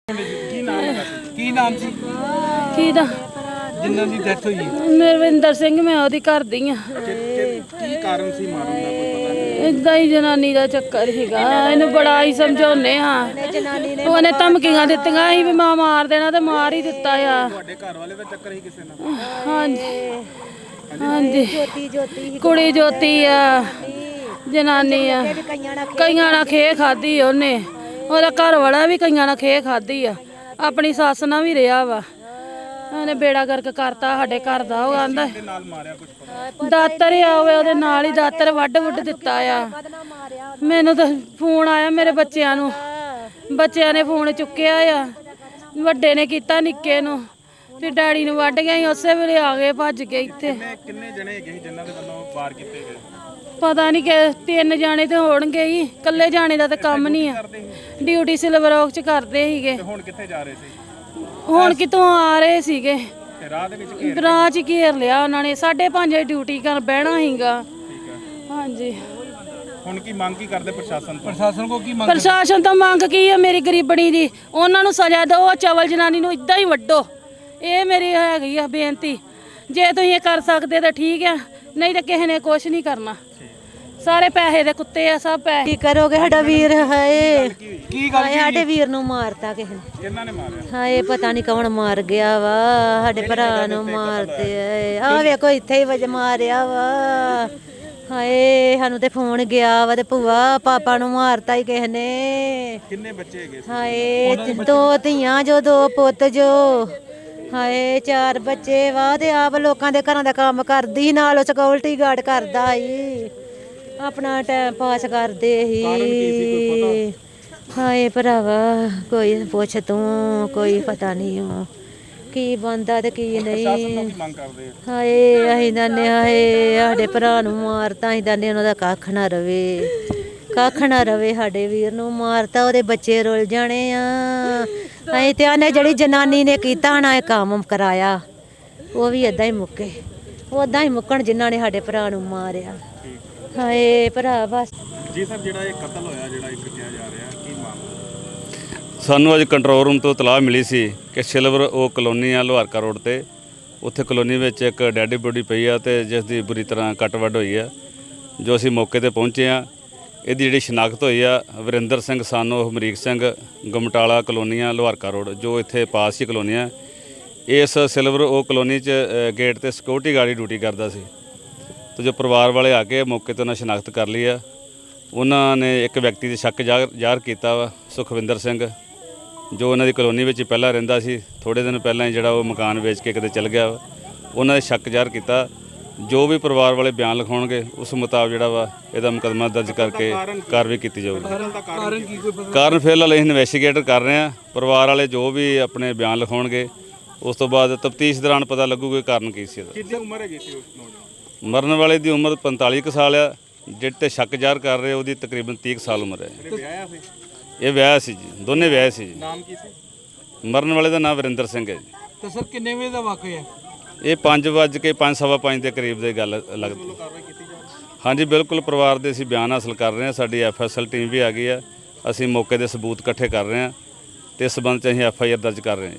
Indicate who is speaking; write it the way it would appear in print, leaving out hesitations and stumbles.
Speaker 1: ਕੀ ਨਾਮ ਸੀ
Speaker 2: ਕਿਹਦਾ?
Speaker 1: ਜਿਨ੍ਹਾਂ ਦੀ ਡੈਥ ਹੋਈ
Speaker 2: ਮਰਵਿੰਦਰ ਸਿੰਘ, ਮੈਂ ਉਹਦੀ ਘਰ ਦੀ ਆ।
Speaker 1: ਕੀ ਕਾਰਨ ਸੀ ਮਾਰਨ ਦਾ ਕੋਈ ਪਤਾ ਨਹੀਂ?
Speaker 2: ਇਦਾਂ ਹੀ ਜਨਾਨੀ ਦਾ ਚੱਕਰ ਸੀਗਾ। ਇਹਨੂੰ ਬੜਾ ਹੀ ਸਮਝਾਉਨੇ ਹਾਂ। ਉਹਨੇ ਧਮਕੀਆਂ ਦਿੱਤੀਆਂ ਸੀ ਵੀ ਮਾਂ ਮਾਰ ਦੇਣਾ ਤੇ ਮਾਰ ਹੀ ਦਿੱਤਾ ਆ।
Speaker 1: ਤੁਹਾਡੇ ਘਰ ਵਾਲੇ ਦਾ ਚੱਕਰ ਸੀ ਕਿਸੇ ਨਾਲ?
Speaker 2: ਹਾਂਜੀ ਹਾਂਜੀ, ਕੁੜੀ ਜੋਤੀ ਆ, ਜਨਾਨੀ ਆ। ਕਈਆਂ ਨਾਲ ਖੇ ਖਾਦੀ ਉਹਨੇ। ਉਹਦਾ ਘਰ ਵਾਲਾ ਵੀ ਕਈਆਂ ਨਾਲ ਖੇ ਖਾਦੀ ਆ। ਆਪਣੀ ਸੱਸ ਨਾਲ ਵੀ ਰਿਹਾ ਵਾ। ਉਹਨੇ ਬੇੜਾ ਗਰਕ ਕਰਤਾ ਸਾਡੇ ਘਰ ਦਾ। ਉਹ ਆਂਦਾ
Speaker 1: ਨਾਲ ਮਾਰਿਆ ਕੁਝ ਪਤਾ?
Speaker 2: ਦਾਤਰ ਆ ਉਹਦੇ ਨਾਲ ਹੀ ਦਾਤਰ ਵੱਢ ਦਿੱਤਾ ਆ। ਮੈਨੂੰ ਤਾਂ ਫੋਨ ਆਇਆ ਮੇਰੇ ਬੱਚਿਆਂ ਨੂੰ, ਬੱਚਿਆਂ ਨੇ ਫੋਨ ਚੁੱਕਿਆ ਆ। ਵੱਡੇ ਨੇ ਕੀਤਾ ਨਿੱਕੇ ਨੂੰ, ਫਿਰ ਡੈਡੀ ਨੂੰ ਵੱਢ ਗਿਆ ਸੀ। ਉਸੇ ਵੇਲੇ ਆ ਗਏ ਭੱਜ ਕੇ ਇੱਥੇ।
Speaker 1: ਕਿੰਨੇ ਜਣੇ ਹੈਗੇ ਸੀ ਜਿਨ੍ਹਾਂ ਦੇ ਵੱਲੋਂ ਵਾਰ ਕੀਤੇ ਗਏ?
Speaker 2: ਪਤਾ ਨਹੀਂ ਕਿ 3 ਜਾਣੇ ਤੇ ਹੋਣਗੇ ਹੀ। ਇਕੱਲੇ ਜਾਣੇ ਦਾ ਤਾਂ ਕੰਮ ਨਹੀਂ ਆ। ਡਿਊਟੀ ਸਿਲਵਰ ਔਕ ਚ ਕਰਦੇ ਸੀਗੇ।
Speaker 1: ਹੁਣ ਕਿੱਥੇ ਜਾ ਰਹੇ ਸੀ?
Speaker 2: ਹੁਣ ਕਿਤੋਂ ਆ ਰਹੇ ਸੀਗੇ।
Speaker 1: ਤੇ ਰਾਹ ਦੇ ਵਿੱਚ
Speaker 2: ਰਾਹ 'ਚ ਘੇਰ ਲਿਆ ਉਹਨਾਂ ਨੇ। 5:30 ਡਿਊਟੀ ਕਰ ਬਹਿਣਾ ਸੀਗਾ।
Speaker 1: ਠੀਕ ਹੈ।
Speaker 2: ਹਾਂਜੀ,
Speaker 1: ਹੁਣ ਕੀ ਮੰਗ ਕੀ ਕਰਦੇ ਪ੍ਰਸ਼ਾਸਨ ਤੋਂ? ਪ੍ਰਸ਼ਾਸਨ ਕੋ ਕੀ ਮੰਗ?
Speaker 2: ਪ੍ਰਸ਼ਾਸਨ ਤੋਂ ਮੰਗ ਕੀ ਹੈ? ਮੇਰੀ ਗਰੀਬਣੀ ਦੀ ਉਹਨਾਂ ਨੂੰ ਸਜ਼ਾ ਦਿਓ। ਚਵਲ ਜਨਾਨੀ ਨੂੰ ਇਦਾਂ ਹੀ ਵੱਢੋ। ਇਹ ਮੇਰੀ ਹੈਗੀ ਆ ਬੇਨਤੀ। ਜੇ ਤੁਸੀਂ ਇਹ ਕਰ ਸਕਦੇ ਤਾਂ ਠੀਕ ਆ, ਨਹੀਂ ਤਾਂ ਕਿਸੇ ਨੇ ਕੁਛ ਨਹੀਂ ਕਰਨਾ। ਸਾਰੇ ਪੈਸੇ ਦੇ ਕੁੱਤੇ ਆ, ਸਭ ਪੈਸੇ।
Speaker 3: ਕੀ ਕਰੋਗੇ? ਸਾਡਾ ਵੀਰ ਹਾਏ,
Speaker 1: ਕੀ ਗੱਲ?
Speaker 3: ਸਾਡੇ ਵੀਰ ਨੂੰ ਮਾਰਤਾ ਕਿਸੇ ਨੇ।
Speaker 1: ਕਿਹਨਾਂ ਨੇ ਮਾਰਿਆ?
Speaker 3: ਹਾਏ ਪਤਾ ਨਹੀਂ ਕੌਣ ਮਾਰ ਗਿਆ ਵਾ। ਸਾਡੇ ਭਰਾ ਨੂੰ ਮਾਰਦੇ ਆ। ਵੇਖੋ ਇੱਥੇ ਹੀ ਵਜ ਮਾਰਿਆ ਵਾ। ਹਾਏ ਸਾਨੂੰ ਤੇ ਫੋਨ ਗਿਆ ਵਾ ਤੇ ਭੂਆ ਪਾਪਾ ਨੂੰ ਮਾਰਤਾ ਹੀ ਕਿਸੇ ਨੇ।
Speaker 1: ਕਿੰਨੇ ਬੱਚੇ ਹੈਗੇ ਸੀ?
Speaker 3: ਹਾਏ 2 ਧੀਆਂ ਜੋ 2 ਪੁੱਤ ਜੋ। ਹਾਏ 4 ਬੱਚੇ ਵਾ ਤੇ ਆਪ ਲੋਕਾਂ ਦੇ ਘਰਾਂ ਦਾ ਕੰਮ ਕਰਦੀ, ਨਾਲ ਸਿਕਿਉਰਿਟੀ ਗਾਰਡ ਕਰਦਾ ਸੀ। ਆਪਣਾ ਟਾਈਮ ਪਾਸ ਕਰਦੇ ਸੀ। ਹਾਏ ਭਰਾਵਾ ਕੋਈ ਪੁੱਛ ਤੂੰ, ਕੋਈ ਪਤਾ ਨਹੀਂ ਉਹ ਕੀ ਬੰਦਾ ਤੇ ਕੀ ਨਹੀਂ।
Speaker 1: ਮੰਗ ਕਰਦੇ?
Speaker 3: ਹਾਏ ਅਸੀਂ ਦੰਨੇ ਹਾਏ ਸਾਡੇ ਭਰਾ ਨੂੰ ਮਾਰਤਾ। ਅਸੀਂ ਦੰਨੇ ਉਹਨਾਂ ਦਾ ਕੱਖ ਨਾ ਰਵੇ, ਕੱਖ ਨਾ ਰਵੇ। ਸਾਡੇ ਵੀਰ ਨੂੰ ਮਾਰਤਾ, ਉਹਦੇ ਬੱਚੇ ਰੁੱਲ ਜਾਣੇ ਆ। ਅਸੀਂ ਤੇ ਆਨੇ ਜਿਹੜੀ ਜਨਾਨੀ ਨੇ ਕੀਤਾ ਨਾ ਇਹ ਕੰਮ ਕਰਾਇਆ, ਉਹ ਵੀ ਏਦਾਂ ਹੀ ਮੁੱਕੇ। ਉਦਾਂ ਹੀ ਮੁੱਕਣ ਜਿਨ੍ਹਾਂ ਨੇ ਸਾਡੇ ਭਰਾ ਨੂੰ ਮਾਰਿਆ। ਹਾਏ ਭਰਾ ਬਸ।
Speaker 1: ਜੀ ਸਰ, ਜਿਹੜਾ ਇਹ ਕਤਲ ਹੋਇਆ, ਜਿਹੜਾ ਇੱਕ ਕਿਹਾ ਜਾ ਰਿਹਾ, ਕੀ ਮਾਮਲਾ?
Speaker 4: ਸਾਨੂੰ ਅੱਜ ਕੰਟਰੋਲ ਰੂਮ ਤੋਂ ਇਤਲਾਹ ਮਿਲੀ ਸੀ ਕਿ ਸਿਲਵਰ ਉਹ ਕਲੋਨੀ ਆ ਲੋਹਾਰਕਾ ਰੋਡ ਤੇ। ਉੱਥੇ ਕਲੋਨੀ ਵਿੱਚ ਇੱਕ ਡੈਡ ਬੋਡੀ ਪਈ ਆ ਤੇ ਜਿਸ ਦੀ ਬੁਰੀ ਤਰ੍ਹਾਂ ਕੱਟ ਵੱਢ ਹੋਈ ਆ। ਜੋ ਅਸੀਂ ਮੌਕੇ ਤੇ ਪਹੁੰਚੇ ਆ, ਇਹਦੀ ਜਿਹੜੀ ਸ਼ਨਾਖਤ ਹੋਈ ਆ ਵਰਿੰਦਰ ਸਿੰਘ ਸਾਨੋ ਹਮਰੀਕ ਸਿੰਘ, ਗਮਟਾਲਾ ਕਲੋਨੀਆਂ ਲੋਹਾਰਕਾ ਰੋਡ, ਜੋ ਇੱਥੇ ਪਾਸ ਹੀ ਕਲੋਨੀ ਆ। ਇਸ ਸਿਲਵਰ ਉਹ ਕਲੋਨੀ 'ਚ ਗੇਟ ਤੇ ਸਿਕਿਉਰਿਟੀ ਗਾਰਡ ਡਿਊਟੀ ਕਰਦਾ ਸੀ। ਤੇ ਜੋ ਪਰਿਵਾਰ ਵਾਲੇ ਆ ਕੇ ਮੌਕੇ ਤੇ ਉਹਨਾਂ ਸ਼ਨਾਖਤ ਕਰ ਲਈ ਆ। ਉਹਨਾਂ ਨੇ ਇੱਕ ਵਿਅਕਤੀ ਦੇ ਸ਼ੱਕ ਜ਼ਾਹਰ ਕੀਤਾ ਵਾ, ਸੁਖਵਿੰਦਰ ਸਿੰਘ, ਜੋ ਉਹਨਾਂ ਦੀ ਕਲੋਨੀ ਵਿੱਚ ਹੀ ਪਹਿਲਾਂ ਰਹਿੰਦਾ ਸੀ। ਥੋੜ੍ਹੇ ਦਿਨ ਪਹਿਲਾਂ ਹੀ ਜਿਹੜਾ ਉਹ ਮਕਾਨ ਵੇਚ ਕੇ ਕਿਤੇ ਚਲ ਗਿਆ ਵਾ। ਉਹਨਾਂ ਦੇ ਸ਼ੱਕ ਜ਼ਾਹਰ ਕੀਤਾ। ਜੋ ਵੀ ਪਰਿਵਾਰ ਵਾਲੇ ਬਿਆਨ ਲਿਖਾਉਣਗੇ ਉਸ ਮੁਤਾਬਕ ਜਿਹੜਾ ਵਾ ਇਹਦਾ ਮੁਕੱਦਮਾ ਦਰਜ ਕਰਕੇ ਕਾਰਵਾਈ ਕੀਤੀ ਜਾਊਗੀ। ਕਾਰਨ ਫਿਲਹਾਲ ਅਸੀਂ ਇਨਵੈਸਟੀਗੇਟ ਕਰ ਰਹੇ ਹਾਂ। ਪਰਿਵਾਰ ਵਾਲੇ ਜੋ ਵੀ ਆਪਣੇ ਬਿਆਨ ਲਿਖਾਉਣਗੇ ਉਸ ਤੋਂ ਬਾਅਦ ਤਫਤੀਸ਼ ਦੌਰਾਨ ਪਤਾ ਲੱਗੂਗਾ ਕਾਰਨ ਕੀ ਸੀ ਇਹਦਾ।
Speaker 1: ਕਿੰਨੀ ਉਮਰ ਹੈਗੀ ਸੀ ਉਸ ਨੌਜਵਾਨ?
Speaker 4: ਮਰਨ ਵਾਲੇ ਦੀ ਉਮਰ 45 ਕੁ ਸਾਲ ਆ। ਜਿਹੜੇ ਤੇ ਸ਼ੱਕ ਜ਼ਾਹਰ ਕਰ ਰਹੇ ਉਹਦੀ ਤਕਰੀਬਨ 30 ਕੁ ਸਾਲ ਉਮਰ ਹੈ।
Speaker 1: ਵਿਆਹਿਆ ਸੀ?
Speaker 4: ਇਹ ਵਿਆਹ ਸੀ ਜੀ, ਦੋਨੇ ਵਿਆਹ ਸੀ ਜੀ।
Speaker 1: ਨਾਮ ਕੀ ਸੀ?
Speaker 4: ਮਰਨ ਵਾਲੇ ਦਾ ਨਾਮ ਵਰਿੰਦਰ ਸਿੰਘ ਹੈ ਜੀ।
Speaker 1: ਤੇ ਸਰ ਕਿੰਨੇ ਵਜੇ ਦਾ ਵਾਕਿਆ ਹੈ?
Speaker 4: ਇਹ 5:05 ਦੇ ਕਰੀਬ ਦੀ ਗੱਲ ਲੱਗਦੀ। ਹਾਂਜੀ ਬਿਲਕੁਲ, ਪਰਿਵਾਰ ਦੇ ਅਸੀਂ ਬਿਆਨ ਹਾਸਲ ਕਰ ਰਹੇ ਹਾਂ। ਸਾਡੀ FSL ਟੀਮ ਵੀ ਆ ਗਈ ਆ। ਅਸੀਂ ਮੌਕੇ ਦੇ ਸਬੂਤ ਇਕੱਠੇ ਕਰ ਰਹੇ ਹਾਂ ਤੇ ਇਸ ਸਬੰਧ 'ਚ ਅਸੀਂ FIR ਦਰਜ ਕਰ ਰਹੇ ਹਾਂ।